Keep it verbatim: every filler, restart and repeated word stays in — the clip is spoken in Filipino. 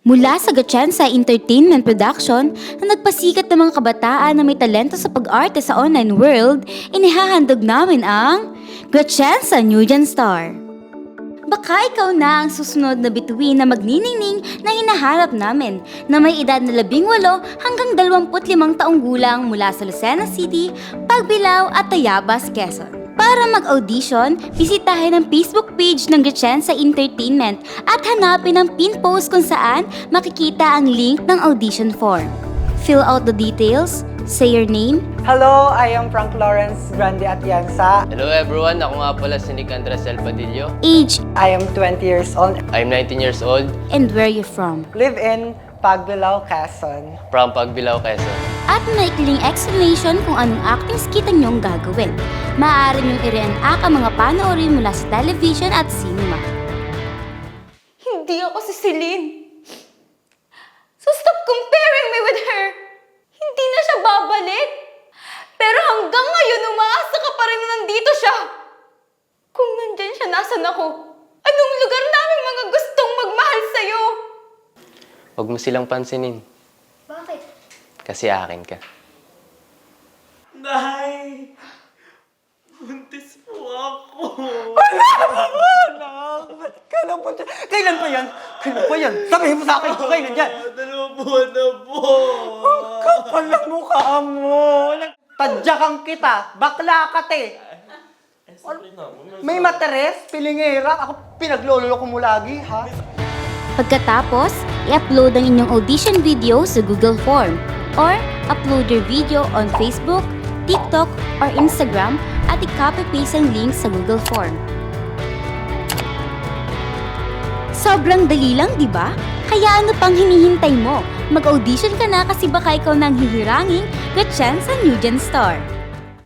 Mula sa Gatchansa Entertainment Production na nagpasikat ng mga kabataan na may talento sa pag-arte sa online world, inihahandog namin ang Gatchansa New Gen Star. Baka ikaw na ang susunod na bituin na magniningning na hinaharap namin na may edad na labing walo hanggang dalawamput limang taong gulang mula sa Lucena City, Pagbilao at Tayabas, Quezon. Para mag-audition, bisitahin ang Facebook page ng Gatchansa Entertainment at hanapin ang pin post kung saan makikita ang link ng audition form. Fill out the details, say your name. Hello, I am Frank Lawrence Grande Atienza. Hello everyone, ako nga pala si Nick Andres Elpadillo. Age, I am twenty years old. I'm nineteen years old, and where you from. Live in Pagbilao, Quezon. from Pagbilao, Quezon. At maikling explanation kung anong acting skit ang iyong gagawin. Maaari niyong i-reenact ang mga panoorin mula sa television at cinema. Hindi ako si Celine. So stop comparing me with her. Hindi na siya babalik. Pero hanggang ngayon, umaasa ka pa rin na nandito siya. Kung nandyan siya, nasan ako? Anong lugar namin mga gustong magmahal sa'yo? Huwag mo silang pansinin, Bakit? kasi akin ka. Nay! Buntis po ako! Anak, ba't ka na po dyan? Kailan pa yan? Kailan pa yan? Sabihin mo sa akin kung kailan yan. Dalawang buwan na po! Ang kapal ng mukha mo. Tadyakan kita. Bakla ka, te. May materes, pilingera. Ako pinaglololo ko mo lagi, ha? Pagkatapos, i-upload ang inyong audition video sa Google Form or upload your video on Facebook, TikTok, or Instagram at i-copy-paste ang link sa Google Form. Sobrang dali lang, di ba? Kaya ano pang hinihintay mo? Mag-audition ka na kasi baka ikaw nang hihiranging Gatchansa New Gen Star.